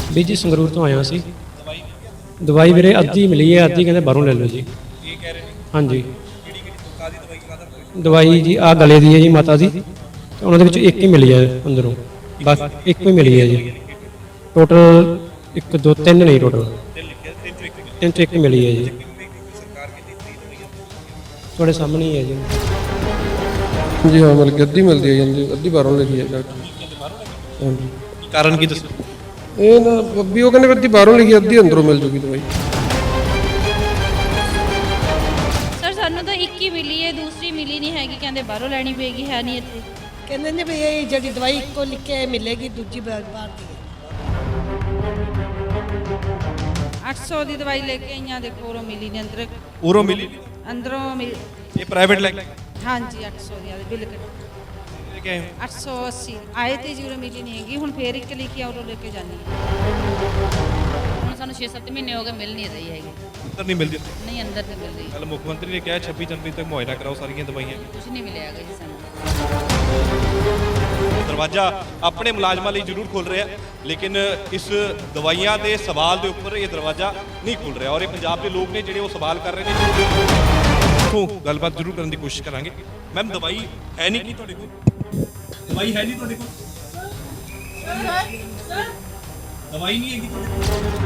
ਵੀ ਜੀ ਸੰਗਰੂਰ ਤੋਂ ਆਇਆ ਸੀ। ਦਵਾਈ ਵੀਰੇ ਅੱਧੀ ਮਿਲੀ ਹੈ, ਅੱਧੀ ਕਹਿੰਦੇ ਬਾਹਰੋਂ ਲੈ ਲਓ ਜੀ। ਕੀ ਕਹਿ ਰਹੇ ਨੇ? ਹਾਂਜੀ ਕਿਹੜੀ ਕਿਹੜੀ ਕਾਦੀ ਦਵਾਈ ਕਾਦਾ? ਦਵਾਈ ਜੀ ਆ ਗਲੇ ਦੀ ਹੈ ਜੀ ਮਾਤਾ ਦੀ, ਤੇ ਉਹਨਾਂ ਦੇ ਵਿੱਚ ਇੱਕ ਹੀ ਮਿਲੀ ਹੈ ਅੰਦਰੋਂ, ਬਸ ਇੱਕ ਹੀ ਮਿਲੀ ਹੈ ਜੀ। ਟੋਟਲ 1 2 3 ਨਹੀਂ, ਟੋਟਲ ਤੇ ਲਿਖਿਆ ਤਿੰਨ ਚੋਂ ਇੱਕ ਮਿਲੀ। 3 ਚ ਇੱਕ ਹੀ ਮਿਲੀ ਹੈ ਜੀ। ਸਰਕਾਰ ਕਿੰਨੀ ਫ੍ਰੀ ਦਵਾਈਆਂ ਤੁਹਾਡੇ ਸਾਹਮਣੇ ਹੀ ਹੈ ਜੀ। जी हाँ, मतलब कि अद्धी मिलती है जी, अद्धी बाहरों लिखी है डॉक्टर। हाँ जी, ਕਾਰਨ ਕੀ ਦੱਸੋ? ये ना भी वो कहने अद्धी बाहरों लिखी, अद्धी अंदरों मिल जूगी दवाई। ਸਰ ਸਾਨੂੰ ਤਾਂ ਇੱਕ ਹੀ ਮਿਲੀ ਹੈ, ਦੂਸਰੀ ਮਿਲੀ ਨਹੀਂ ਹੈਗੀ, ਕਹਿੰਦੇ ਬਾਹਰੋਂ ਲੈਣੀ ਪਏਗੀ, ਹੈ ਨਹੀਂ ਇੱਥੇ। ਕਹਿੰਦੇ ਨੇ ਵੀ ਇਹ ਜਿਹੜੀ ਦਵਾਈ ਇੱਕੋ ਲਿਖੇ ਮਿਲੇਗੀ, ਦੂਜੀ ਬਾਹਰ ਦੀ ਹੈ। 800 ਦੀ ਦਵਾਈ ਲੈ ਕੇ ਆਈਆਂ, ਦੇਖੋ ਉਰੋਂ ਮਿਲੀ ਨਹੀਂ, ਉਰੋਂ ਮਿਲੀ? ਅੰਦਰੋਂ ਇਹ ਪ੍ਰਾਈਵੇਟ ਲੈ ਕੇ ਹਾਂਜੀ 800 ਦੀ ਆਦੇ ਬਿੱਲ ਕੱਟ ਲੈ ਕੇ ਆਏ ਹੋ? 880 ਆਏ ਤੇ ਜੀ ਉਰੋਂ ਮਿਲੀ ਨਹੀਂ ਹੈਗੀ, ਹੁਣ ਫੇਰ ਇੱਕ ਲਿਖੀ ਆ ਉਰੋਂ ਲੈ ਕੇ ਜਾਣੀ ਹੈ। ਹੁਣ ਸਾਨੂੰ 6-7 ਮਹੀਨੇ ਹੋ ਗਏ, ਮਿਲ ਨਹੀਂ ਰਹੀ ਹੈਗੀ। ਅੰਦਰ ਨਹੀਂ ਮਿਲਦੀ? ਨਹੀਂ ਅੰਦਰ ਨਹੀਂ ਮਿਲ ਰਹੀ, ਕੱਲ ਮੁੱਖ ਮੰਤਰੀ ਨੇ ਕਿਹਾ 26 ਜਨਵਰੀ ਤੱਕ ਮੁਹੱਈਆ ਕਰਾਓ ਸਾਰੀਆਂ ਦਵਾਈਆਂ। ਕੁਝ ਨਹੀਂ ਮਿਲਿਆ ਹੈਗਾ ਜੀ ਸਾਨੂੰ। ਦਰਵਾਜ਼ਾ ਆਪਣੇ ਮੁਲਾਜ਼ਮਾਂ ਲਈ ਜ਼ਰੂਰ ਖੁੱਲ ਰਿਹਾ, ਲੇਕਿਨ ਇਸ ਦਵਾਈਆਂ ਦੇ ਸਵਾਲ ਦੇ ਉੱਪਰ ਇਹ ਦਰਵਾਜ਼ਾ ਨਹੀਂ ਖੁੱਲ ਰਿਹਾ, ਔਰ ਇਹ ਪੰਜਾਬ ਦੇ ਲੋਕ ਨੇ ਜਿਹੜੇ ਉਹ ਸਵਾਲ ਕਰ ਰਹੇ ਨੇ। ਉੱਥੋਂ ਗੱਲਬਾਤ ਜ਼ਰੂਰ ਕਰਨ ਦੀ ਕੋਸ਼ਿਸ਼ ਕਰਾਂਗੇ। ਮੈਮ ਦਵਾਈ ਹੈ ਨਹੀਂ ਕੀ ਤੁਹਾਡੇ ਕੋਲ? ਦਵਾਈ ਹੈ ਨਹੀਂ ਤੁਹਾਡੇ ਕੋਲ? ਦਵਾਈ ਨਹੀਂ ਹੈਗੀ ਤੁਹਾਡੇ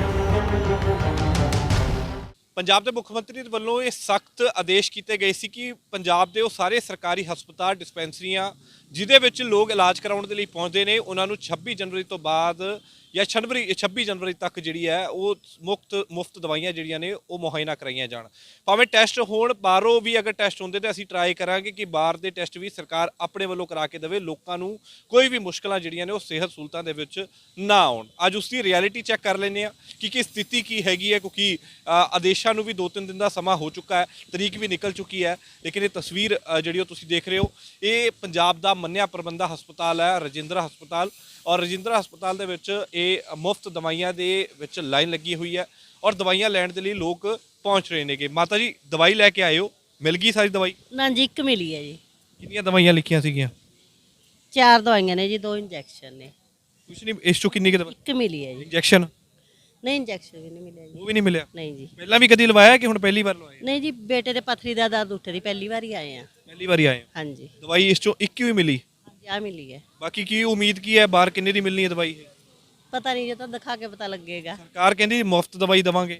ਕੋਲ? ਪੰਜਾਬ ਦੇ ਮੁੱਖ ਮੰਤਰੀ ਦੇ ਵੱਲੋਂ ਇਹ ਸਖਤ ਆਦੇਸ਼ ਕੀਤੇ ਗਏ ਸੀ ਕਿ ਪੰਜਾਬ ਦੇ ਉਹ ਸਾਰੇ ਸਰਕਾਰੀ ਹਸਪਤਾਲ ਡਿਸਪੈਂਸਰੀਆਂ ਜਿਹਦੇ ਵਿੱਚ ਲੋਕ ਇਲਾਜ ਕਰਾਉਣ ਦੇ ਲਈ ਪਹੁੰਚਦੇ ਨੇ, ਉਹਨਾਂ ਨੂੰ 26 ਜਨਵਰੀ ਤੋਂ ਬਾਅਦ ਜਾਂ 26 ਜਨਵਰੀ ਤੱਕ ਜਿਹੜੀ ਹੈ ਉਹ ਮੁਫਤ ਦਵਾਈਆਂ ਜਿਹੜੀਆਂ ਨੇ ਉਹ ਮੁਹੱਈਆ ਕਰਾਈਆਂ ਜਾਣ। ਭਾਵੇਂ ਟੈਸਟ ਹੋਣ ਬਾਹਰੋਂ ਵੀ, ਅਗਰ ਟੈਸਟ ਹੁੰਦੇ ਤਾਂ ਅਸੀਂ ਟਰਾਈ ਕਰਾਂਗੇ ਕਿ ਬਾਹਰ ਦੇ ਟੈਸਟ ਵੀ ਸਰਕਾਰ ਆਪਣੇ ਵੱਲੋਂ ਕਰਾ ਕੇ ਦੇਵੇ, ਲੋਕਾਂ ਨੂੰ ਕੋਈ ਵੀ ਮੁਸ਼ਕਲਾਂ ਜਿਹੜੀਆਂ ਨੇ ਉਹ ਸਿਹਤ ਸਹੂਲਤਾਂ ਦੇ ਵਿੱਚ ਨਾ ਆਉਣ। ਅੱਜ ਉਸ ਦੀ ਰਿਐਲਿਟੀ ਚੈੱਕ ਕਰ ਲੈਂਦੇ ਹਾਂ ਕਿ ਸਥਿਤੀ ਕੀ ਹੈਗੀ ਹੈ, ਕਿਉਂਕਿ ਆਦੇਸ਼ਾਂ ਨੂੰ ਵੀ 2-3 ਦਿਨ ਦਾ ਸਮਾਂ ਹੋ ਚੁੱਕਾ ਹੈ, ਤਰੀਕ ਵੀ ਨਿਕਲ ਚੁੱਕੀ ਹੈ, ਲੇਕਿਨ ਇਹ ਤਸਵੀਰ ਜਿਹੜੀ ਉਹ ਤੁਸੀਂ ਦੇਖ ਰਹੇ ਹੋ, ਇਹ ਪੰਜਾਬ ਦਾ ਮੰਨਿਆ ਪ੍ਰਬੰਧਾ ਹਸਪਤਾਲ ਹੈ, ਰਜਿੰਦਰਾ ਹਸਪਤਾਲ। ਔਰ ਰਜਿੰਦਰਾ ਹਸਪਤਾਲ ਦੇ ਵਿੱਚ ਇਹ ਮੁਫਤ ਦਵਾਈਆਂ ਦੇ ਵਿੱਚ ਲਾਈਨ ਲੱਗੀ ਹੋਈ ਹੈ ਔਰ ਦਵਾਈਆਂ ਲੈਣ ਦੇ ਲਈ ਲੋਕ ਪਹੁੰਚ ਰਹੇ ਨੇਗੇ। ਮਾਤਾ ਜੀ ਦਵਾਈ ਲੈ ਕੇ ਆਏ ਹੋ, ਮਿਲ ਗਈ ਸਾਰੀ ਦਵਾਈ? ਨਾ ਜੀ, ਇੱਕ ਮਿਲੀ ਹੈ ਜੀ। ਕਿੰਨੀਆਂ ਦਵਾਈਆਂ ਲਿਖੀਆਂ ਸੀਗੀਆਂ? 4 ਦਵਾਈਆਂ ਨੇ ਜੀ, 2 ਇੰਜੈਕਸ਼ਨ ਨੇ। ਕੁਛ ਨਹੀਂ, ਇਸ ਚੋਂ ਕਿੰਨੀ ਕੁ ਦਵਾਈ? ਇੱਕ ਮਿਲੀ ਹੈ ਜੀ। ਇੰਜੈਕਸ਼ਨ? ਨਹੀਂ, ਇੰਜੈਕਸ਼ਨ ਵੀ ਨਹੀਂ ਮਿਲਿਆ ਜੀ। ਉਹ ਵੀ ਨਹੀਂ ਮਿਲਿਆ? ਨਹੀਂ ਜੀ। ਪਹਿਲਾਂ ਵੀ ਕਦੀ ਲਵਾਇਆ ਕਿ ਹੁਣ ਪਹਿਲੀ ਵਾਰ ਲਵਾਇਆ? ਨਹੀਂ ਜੀ, ਬੇਟੇ ਦੇ ਪੱਥਰੀ ਦਾ ਦਰਦ ਉੱਠ ਰਹੀ, ਪਹਿਲੀ ਵਾਰ ਹੀ ਆਏ ਆ। ਪਹਿਲੀ ਵਾਰੀ ਆਏ ਹੋ? ਹਾਂਜੀ ਦਵਾਈ ਇਸ ਚੋਂ ਇੱਕ ਹੀ ਮਿਲੀ? ਹਾਂਜੀ, ਆ ਮਿਲੀ ਹੈ। ਬਾਕੀ ਕੀ ਉਮੀਦ ਕੀ ਹੈ, ਬਾਹਰ ਕਿੰਨੇ ਦੀ ਮਿਲਣੀ ਹੈ ਦਵਾਈ? ਪਤਾ ਨਹੀਂ, ਜੇ ਤਾਂ ਦਿਖਾ ਕੇ ਪਤਾ ਲੱਗੇਗਾ। ਸਰਕਾਰ ਕਹਿੰਦੀ ਮੁਫਤ ਦਵਾਈ ਦੇਵਾਂਗੇ।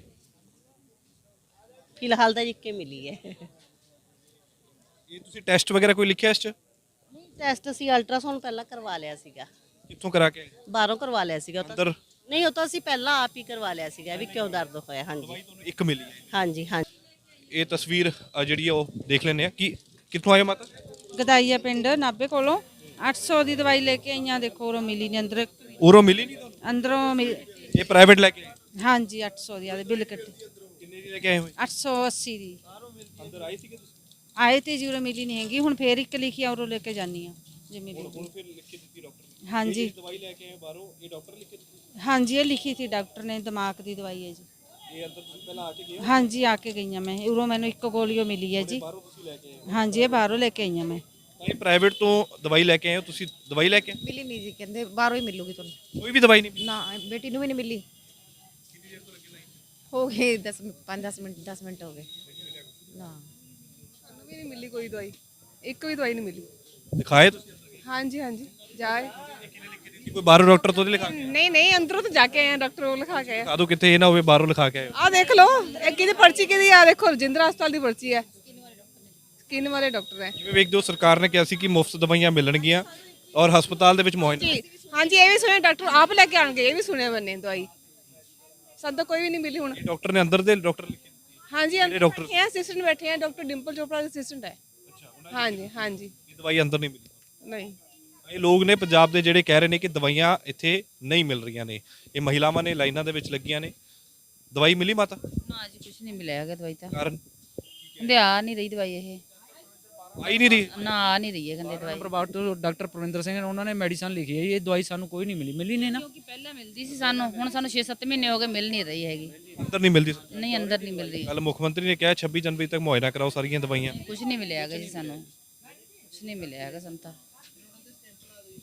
ਫਿਲਹਾਲ ਤਾਂ ਇੱਕ ਹੀ ਮਿਲੀ ਹੈ। ਇਹ ਤੁਸੀਂ ਟੈਸਟ ਵਗੈਰਾ ਕੋਈ ਲਿਖਿਆ ਇਸ 'ਚ? ਨਹੀਂ, ਟੈਸਟ ਅਸੀਂ ਅਲਟਰਾਸਾਊਂਡ ਪਹਿਲਾਂ ਕਰਵਾ ਲਿਆ ਸੀਗਾ, ਕਿੱਥੋਂ ਕਰਾ ਕੇ ਆਏ? ਬਾਹਰੋਂ ਕਰਵਾ ਲਿਆ ਸੀਗਾ। ਉਹ ਤਾਂ ਅੰਦਰ? ਨਹੀਂ, ਉਹ ਤਾਂ ਅਸੀਂ ਪਹਿਲਾਂ ਆਪ ਹੀ ਕਰਵਾ ਲਿਆ ਸੀਗਾ ਵੀ ਕਿਉਂ ਦਰਦ ਹੋਇਆ। ਹਾਂਜੀ ਤੁਹਾਨੂੰ ਇੱਕ ਮਿਲੀ ਹੈ? ਹਾਂਜੀ ਹਾਂਜੀ। ਇਹ ਤਸਵੀਰ ਜਿਹੜੀ ਆ ਉਹ ਦੇਖ ਲੈਂਦੇ ਆ ਕਿ ਕਿੱਥੋਂ ਆਏ ਹੋ ਮਾਤਾ? ਗਦਾਈਆ ਪਿੰਡ ਨਾਭੇ ਕੋਲੋਂ 800 ਦੀ ਦਵਾਈ ਲੈ ਕੇ ਆਈਆਂ, ਦੇਖੋ ਉਰੋਂ ਮਿਲੀ ਨਹੀਂ, ਉਰੋਂ ਮਿਲੀ ਨਹੀਂ ਤੁਹਾਨੂੰ? ਅੰਦਰੋਂ ਇਹ ਪ੍ਰਾਈਵੇਟ ਲੈ ਕੇ ਆਏ? ਹਾਂਜੀ 800 ਦੀ ਆਦੇ ਬਿੱਲ ਕੱਟ ਕਿੰਨੇ ਦੀ ਲੈ ਕੇ ਆਏ ਹੋਏ? 880 ਦੀ ਅੰਦਰ ਆਏ ਸੀਗੇ ਤੁਸੀਂ? ਆਏ ਤੇ ਜੀ ਉਰੋਂ ਮਿਲੀ ਨਹੀਂ ਹੈਗੀ, ਹੁਣ ਫੇਰ ਇੱਕ ਲਿਖੀ ਆ ਉਰੋਂ ਲੈ ਕੇ ਜਾਣੀ ਆ ਜੇ ਮਿਲੀ। ਹੁਣ ਫਿਰ ਲਿਖ ਕੇ ਦਿੱਤੀ ਡਾਕਟਰ ਨੇ? ਹਾਂਜੀ ਦਵਾਈ ਲੈ ਕੇ ਆਏ ਬਾਹਰੋਂ, ਇਹ ਡਾਕਟਰ ਲਿਖ ਕੇ ਦਿੱਤੀ? ਹਾਂਜੀ, ਇਹ ਲਿਖੀ ਸੀ ਡਾਕਟਰ ਨੇ, ਦਿਮਾਗ ਦੀ ਦਵਾਈ ਹੈ ਜੀ। ਇਹ ਅੰਦਰ ਤੁਸੀਂ ਪਹਿਲਾਂ ਆ ਕੇ ਗਏ ਹੋ? ਹਾਂਜੀ, ਆ ਕੇ ਗਈਆਂ ਮੈਂ, ਉਰੋਂ ਮੈਨੂੰ ਇੱਕ ਗੋਲੀਓ ਮਿਲੀ ਹੈ ਜੀ। ਬਾਹਰੋਂ ਤੁਸੀਂ ਲੈ ਕੇ ਆਏ? ਹਾਂਜੀ, ਇਹ ਬਾਹਰੋਂ ਲੈ ਕੇ ਆਈਆਂ ਮੈਂ। ਤਾਂ ਇਹ ਪ੍ਰਾਈਵੇਟ ਤੋਂ ਦਵਾਈ ਲੈ ਕੇ ਆਏ ਹੋ ਤੁਸੀਂ? ਦਵਾਈ ਲੈ ਕੇ ਆਏ? ਮਿਲੀ ਨਹੀਂ ਜੀ, ਕਹਿੰਦੇ ਬਾਹਰੋਂ ਹੀ ਮਿਲੂਗੀ ਤੁਹਾਨੂੰ। ਕੋਈ ਵੀ ਦਵਾਈ ਨਹੀਂ ਮਿਲੀ? ਨਾ, ਬੇਟੀ ਨੂੰ ਵੀ ਨਹੀਂ ਮਿਲੀ। ਹੋ ਗਏ 5-10 ਮਿੰਟ, 10 ਮਿੰਟ ਹੋ ਗਏ। ਨਾ, ਸਾਨੂੰ ਵੀ ਨਹੀਂ ਮਿਲੀ ਕੋਈ ਦਵਾਈ, ਇੱਕ ਵੀ ਦਵਾਈ ਨਹੀਂ ਮਿਲੀ। ਦਿਖਾਏ ਤੁਸੀਂ? ਹਾਂਜੀ ਹਾਂਜੀ, ਜਾਏ। ਕੋਈ ਬਾਹਰੋਂ ਡਾਕਟਰ ਤੋਂ ਨਹੀਂ ਲਿਖਾ ਕੇ? ਨਹੀਂ ਨਹੀਂ, ਅੰਦਰੋਂ ਤਾਂ ਜਾ ਕੇ ਆਏ ਆ, ਡਾਕਟਰ ਕੋਲ ਲਿਖਾ ਕੇ ਆਏ। ਦਿਖਾ ਦਿਓ ਕਿਤੇ ਇਹ ਨਾ ਹੋਵੇ ਬਾਹਰੋਂ ਲਿਖਾ ਕੇ ਆਏ ਹੋ। ਆਹ ਦੇਖ ਲਓ, ਇਹ ਕਿਹਦੀ ਪਰਚੀ ਕਿਹਦੀ ਆ? ਦੇਖੋ, ਰਜਿੰਦਰਾ ਹਸਪਤਾਲ ਦੀ ਪਰਚੀ ਹੈ, ਸਕਿਨ ਵਾਲੇ ਡਾਕਟਰ ਹੈ। ਜਿਵੇਂ ਵੇਖਦੇ ਹੋ ਸਰਕਾਰ ਨੇ ਕਿਹਾ ਸੀ ਕਿ ਮੁਫਤ ਦਵਾਈਆਂ ਮਿਲਣਗੀਆਂ ਔਰ ਹਸਪਤਾਲ ਦੇ ਵਿੱਚ ਮੁਹੱਈਆ। ਜੀ ਹਾਂਜੀ, ਇਹ ਵੀ ਸੁਣਿਆ ਡਾਕਟਰ ਆਪ ਲੈ ਕੇ ਆਣਗੇ, ਇਹ ਵੀ ਸੁਣਿਆ ਬੰਨੇ ਦਵਾਈ। ਸਾਨੂੰ ਤਾਂ ਕੋਈ ਵੀ ਨਹੀਂ ਮਿਲੀ ਹੁਣ। ਡਾਕਟਰ ਨੇ ਅੰਦਰ ਦੇ ਡਾਕਟਰ ਲਿਖੇ? ਹਾਂਜੀ, ਕਿਹੜੇ ਡਾਕਟਰ? ਬੈਠੇ ਆ, ਅਸਿਸਟੈਂਟ ਬੈਠੇ ਆ, ਡਾਕਟਰ ਡਿੰਪਲ ਚੋਪੜਾ ਦੇ ਅਸਿਸਟੈਂਟ ਹੈ। ਹਾਂਜੀ ਹਾਂਜੀ। ਇਹ ਦਵਾਈ ਅੰਦਰ ਨਹੀਂ ਮਿਲੀ? ਨਹੀਂ, ਇਹ ਲੋਕ ਨੇ ਪੰਜਾਬ ਦੇ ਜਿਹੜੇ ਕਹਿ ਰਹੇ ਨੇ ਕਿ ਦਵਾਈਆਂ ਇੱਥੇ ਨਹੀਂ ਮਿਲ ਰਹੀਆਂ ਨੇ। ਇਹ ਮਹਿਲਾਵਾਂ ਨੇ ਲਾਈਨਾਂ ਦੇ ਵਿੱਚ ਲੱਗੀਆਂ ਨੇ। ਦਵਾਈ ਮਿਲੀ ਮਾਤਾ? ਨਾ ਜੀ, ਕੁਝ ਨਹੀਂ ਮਿਲਿਆ ਹੈਗਾ ਦਵਾਈ ਤਾਂ। ਕਾਰਨ? ਕਹਿੰਦੇ ਆ ਨਹੀਂ ਰਹੀ ਦਵਾਈ, ਇਹ ਆਈ ਨਹੀਂ ਰਹੀ? ਨਾ ਆ ਨਹੀਂ ਰਹੀ ਹੈ ਕਹਿੰਦੇ ਦਵਾਈ। ਪ੍ਰਭਾਵ ਤੋਂ ਡਾਕਟਰ ਪ੍ਰਵਿੰਦਰ ਸਿੰਘ ਨੇ ਉਹਨਾਂ ਨੇ ਮੈਡੀਸਨ ਲਿਖੀ ਹੈ, ਇਹ ਦਵਾਈ ਸਾਨੂੰ ਕੋਈ ਨਹੀਂ ਮਿਲੀ ਨਹੀਂ ਨਾ, ਕਿਉਂਕਿ ਪਹਿਲਾਂ ਮਿਲਦੀ ਸੀ ਸਾਨੂੰ, ਹੁਣ ਸਾਨੂੰ 6-7 ਮਹੀਨੇ ਹੋ ਗਏ, ਮਿਲ ਨਹੀਂ ਰਹੀ ਹੈਗੀ। ਅੰਦਰ ਨਹੀਂ ਮਿਲਦੀ? ਨਹੀਂ ਅੰਦਰ ਨਹੀਂ ਮਿਲ ਰਹੀ, ਕੱਲ ਮੁੱਖ ਮੰਤਰੀ ਨੇ ਕਿਹਾ 26 ਜਨਵਰੀ ਤੱਕ ਮੁਹੱਈਆ ਕਰਾਓ ਸਾਰੀਆਂ ਦਵਾਈਆਂ। ਕੁਝ ਨਹੀਂ ਮਿਲਿਆ ਹੈਗਾ ਜੀ ਸਾਨੂੰ, ਕੁਝ ਨਹੀਂ ਮਿਲਿਆ ਹੈਗਾ ਸਾਨੂੰ ਤਾਂ।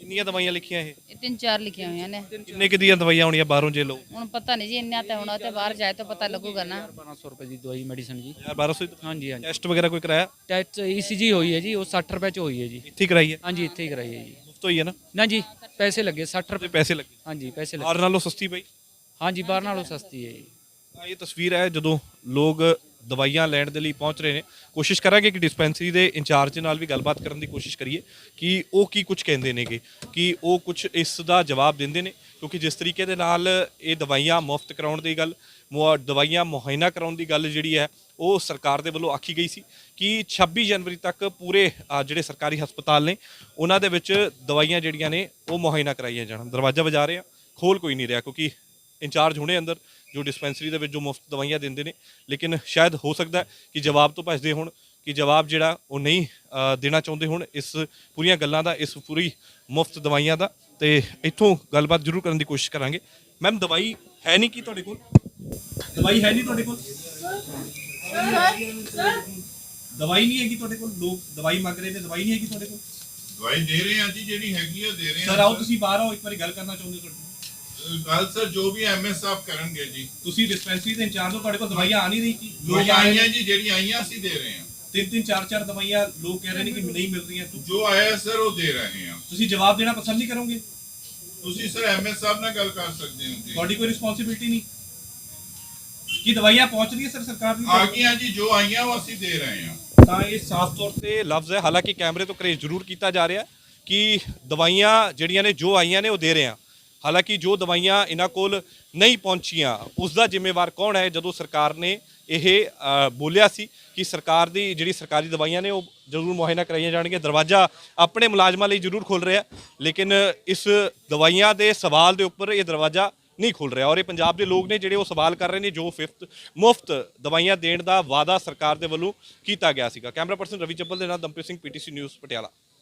ਕਿੰਨੀਆਂ ਦਵਾਈਆਂ ਲਿਖੀਆਂ ਇਹ ਇਹ 3-4 ਲਿਖੀਆਂ ਹੋਈਆਂ ਨੇ। ਕਿੰਨੇ ਕੁ ਦੀਆਂ ਦਵਾਈਆਂ ਆਉਣੀਆਂ ਬਾਹਰੋਂ ਜੇ ਲਓ ਹੁਣ ਪਤਾ ਨਹੀਂ ਜੀ ਇੰਨਾ ਤਾਂ ਹੋਣਾ ਤੇ ਬਾਹਰ ਜਾਏ ਤਾਂ ਪਤਾ ਲੱਗੂਗਾ ਨਾ। 1200 ਰੁਪਏ ਦੀ ਦਵਾਈ ਮੈਡੀਸਨ ਜੀ। 1200 ਹਾਂਜੀ ਹਾਂਜੀ। ਟੈਸਟ ਵਗੈਰਾ ਕੋਈ ਕਰਾਇਆ ਟੈਸਟ ECG ਹੋਈ ਹੈ ਜੀ, ਉਹ 60 ਰੁਪਏ ਚ ਹੋਈ ਹੈ ਜੀ। ਇੱਥੇ ਹੀ ਕਰਾਈ ਹੈ ਹਾਂਜੀ ਇੱਥੇ ਹੀ ਕਰਾਈ ਹੈ ਜੀ। ਮੁਫਤ ਹੋਈ ਹੈ ਨਾ ਨਾ ਜੀ ਪੈਸੇ ਲੱਗੇ 60 ਰੁਪਏ। ਪੈਸੇ ਲੱਗੇ ਹਾਂਜੀ ਪੈਸੇ ਲੱਗੇ। ਬਾਹਰ ਨਾਲੋਂ ਸਸਤੀ ਪਈ ਹਾਂਜੀ ਬਾਹਰ ਨਾਲੋਂ ਸਸਤੀ ਹੈ ਜੀ। ਤਾਂ ਇਹ ਤਸਵੀਰ ਹੈ ਜਦੋਂ ਲੋਕ ਦਵਾਈਆਂ ਲੈਣ ਦੇ ਲਈ ਪਹੁੰਚ ਰਹੇ ਨੇ। ਕੋਸ਼ਿਸ਼ ਕਰਾਂਗੇ ਕਿ ਡਿਸਪੈਂਸਰੀ ਦੇ ਇੰਚਾਰਜ ਨਾਲ ਵੀ ਗੱਲਬਾਤ ਕਰਨ ਦੀ ਕੋਸ਼ਿਸ਼ ਕਰੀਏ ਕਿ ਉਹ ਕੀ ਕੁਝ ਕਹਿੰਦੇ ਨੇਗੇ, ਕਿ ਉਹ ਕੁਝ ਇਸ ਦਾ ਜਵਾਬ ਦਿੰਦੇ ਨੇ, ਕਿਉਂਕਿ ਜਿਸ ਤਰੀਕੇ ਦੇ ਨਾਲ ਇਹ ਦਵਾਈਆਂ ਮੁਫਤ ਕਰਾਉਣ ਦੀ ਗੱਲ, ਦਵਾਈਆਂ ਮੁਹੱਈਆ ਕਰਾਉਣ ਦੀ ਗੱਲ ਜਿਹੜੀ ਹੈ ਉਹ ਸਰਕਾਰ ਦੇ ਵੱਲੋਂ ਆਖੀ ਗਈ ਸੀ ਕਿ 26 ਜਨਵਰੀ ਤੱਕ ਪੂਰੇ ਜਿਹੜੇ ਸਰਕਾਰੀ ਹਸਪਤਾਲ ਨੇ ਉਹਨਾਂ ਦੇ ਵਿੱਚ ਦਵਾਈਆਂ ਜਿਹੜੀਆਂ ਨੇ ਉਹ ਮੁਹੱਈਆ ਕਰਾਈਆਂ ਜਾਣ। ਦਰਵਾਜ਼ਾ ਵਜਾ ਰਹੇ ਆ, ਖੋਲ ਕੋਈ ਨਹੀਂ ਰਿਹਾ ਕਿਉਂਕਿ ਇੰਚਾਰਜ ਹੁਣੇ ਅੰਦਰ ਜੋ ਡਿਸਪੈਂਸਰੀ ਦੇ ਵਿੱਚ ਜੋ ਮੁਫਤ ਦਵਾਈਆਂ ਦਿੰਦੇ ਨੇ, ਲੇਕਿਨ ਸ਼ਾਇਦ ਹੋ ਸਕਦਾ ਕਿ ਜਵਾਬ ਤੋਂ ਭੱਜਦੇ ਹੋਣ, ਕਿ ਜਵਾਬ ਜਿਹੜਾ ਉਹ ਨਹੀਂ ਦੇਣਾ ਚਾਹੁੰਦੇ ਹੋਣ ਇਸ ਪੂਰੀਆਂ ਗੱਲਾਂ ਦਾ, ਇਸ ਪੂਰੀ ਮੁਫਤ ਦਵਾਈਆਂ ਦਾ। ਤੇ ਇੱਥੋਂ ਗੱਲਬਾਤ ਜ਼ਰੂਰ ਕਰਨ ਦੀ ਕੋਸ਼ਿਸ਼ ਕਰਾਂਗੇ। ਮੈਮ ਦਵਾਈ ਹੈ ਨਹੀਂ ਕੀ ਤੁਹਾਡੇ ਕੋਲ? ਦਵਾਈ ਹੈ ਨਹੀਂ ਤੁਹਾਡੇ ਕੋਲ? ਦਵਾਈ ਨਹੀਂ ਹੈਗੀ ਤੁਹਾਡੇ ਕੋਲ? ਲੋਕ ਦਵਾਈ ਮੰਗ ਰਹੇ ਨੇ, ਦਵਾਈ ਨਹੀਂ ਹੈਗੀ ਤੁਹਾਡੇ ਕੋਲ? ਦਵਾਈ ਦੇ ਰਹੇ ਆ ਜੀ, ਜਿਹੜੀ ਹੈਗੀ ਆ ਦੇ ਰਹੇ ਆ। ਸਰ ਆਓ ਤੁਸੀਂ ਬਾਹਰ ਆਓ, ਇੱਕ ਵਾਰੀ ਗੱਲ ਕਰਨਾ ਚਾਹੁੰਦੇ ਤੁਹਾਡੇ ਨਾਲ। ਗੱਲ ਸਰ ਜੋ ਵੀ ਐਮਐਸ ਸਾਹਿਬ ਕਰਨਗੇ ਜੀ। ਤੁਸੀਂ ਡਿਸਪੈਂਸਰੀ ਦੇ ਇੰਚਾਰਜ ਹੋ, ਤੁਹਾਡੇ ਕੋਲ ਦਵਾਈਆਂ ਆ ਨਹੀਂ ਰਹੀ ਕੀ? ਦਵਾਈਆਂ ਆਈਆਂ ਜੀ, ਜਿਹੜੀਆਂ ਆਈਆਂ ਅਸੀਂ ਦੇ ਰਹੇ ਹਾਂ। 3-3 4-4 ਦਵਾਈਆਂ ਲੋਕ ਕਹਿ ਰਹੇ ਨੇ ਕਿ ਨਹੀਂ ਮਿਲ ਰਹੀਆਂ। ਜੋ ਆਇਆ ਸਰ ਉਹ ਦੇ ਰਹੇ ਹਾਂ। ਤੁਸੀਂ ਜਵਾਬ ਦੇਣਾ ਪਸੰਦ ਨਹੀਂ ਕਰੋਗੇ? ਤੁਸੀਂ ਸਰ ਐਮਐਸ ਸਾਹਿਬ ਨਾਲ ਗੱਲ ਕਰ ਸਕਦੇ ਹੋ ਜੀ। ਤੁਹਾਡੀ ਕੋਈ ਰਿਸਪੌਂਸਿਬਿਲਟੀ ਨਹੀਂ ਕਿ ਦਵਾਈਆਂ ਪਹੁੰਚ ਰਹੀਆਂ ਸਰ ਸਰਕਾਰ ਦੀ? ਆ ਗਈਆਂ ਜੀ, ਜੋ ਆਈਆਂ ਉਹ ਅਸੀਂ ਦੇ ਰਹੇ ਹਾਂ। ਤਾਂ ਇਹ ਸਾਫ਼ ਤੌਰ ਤੇ ਲਫ਼ਜ਼ ਹੈ, ਹਾਲਾਂਕਿ ਕੈਮਰੇ ਤੋਂ ਕਰੇਜ਼ ਜ਼ਰੂਰ ਕੀਤਾ ਜਾ ਰਿਹਾ ਕਿ ਦਵਾਈਆਂ ਜਿਹੜੀਆਂ ਨੇ ਜੋ ਆਈਆਂ ਨੇ ਉਹ ਦੇ ਰਹੇ ਆ। ਹਾਲਾਂਕਿ ਜੋ ਦਵਾਈਆਂ ਇਹਨਾਂ ਕੋਲ ਨਹੀਂ ਪਹੁੰਚੀਆਂ ਉਸ ਦਾ ਜ਼ਿੰਮੇਵਾਰ ਕੌਣ ਹੈ? ਜਦੋਂ ਸਰਕਾਰ ਨੇ ਇਹ ਬੋਲਿਆ ਸੀ ਕਿ ਸਰਕਾਰ ਦੀ ਜਿਹੜੀ ਸਰਕਾਰੀ ਦਵਾਈਆਂ ਨੇ ਉਹ ਜ਼ਰੂਰ ਮੁਹੱਈਆ ਕਰਾਈਆਂ ਜਾਣਗੀਆਂ, ਦਰਵਾਜ਼ਾ ਆਪਣੇ ਮੁਲਾਜ਼ਮਾਂ ਲਈ ਜ਼ਰੂਰ ਖੁੱਲ੍ਹ ਰਿਹਾ, ਲੇਕਿਨ ਇਸ ਦਵਾਈਆਂ ਦੇ ਸਵਾਲ ਦੇ ਉੱਪਰ ਇਹ ਦਰਵਾਜ਼ਾ ਨਹੀਂ ਖੁੱਲ੍ਹ ਰਿਹਾ। ਔਰ ਇਹ ਪੰਜਾਬ ਦੇ ਲੋਕ ਨੇ ਜਿਹੜੇ ਉਹ ਸਵਾਲ ਕਰ ਰਹੇ ਨੇ ਜੋ ਮੁਫਤ ਦਵਾਈਆਂ ਦੇਣ ਦਾ ਵਾਅਦਾ ਸਰਕਾਰ ਦੇ ਵੱਲੋਂ ਕੀਤਾ ਗਿਆ ਸੀਗਾ। ਕੈਮਰਾ ਪਰਸਨ ਰਵੀ ਚੱਬਲ ਦੇ ਨਾਲ ਦਮਪ੍ਰੀਤ ਸਿੰਘ, PTC ਨਿਊਜ਼ ਪਟਿਆਲਾ।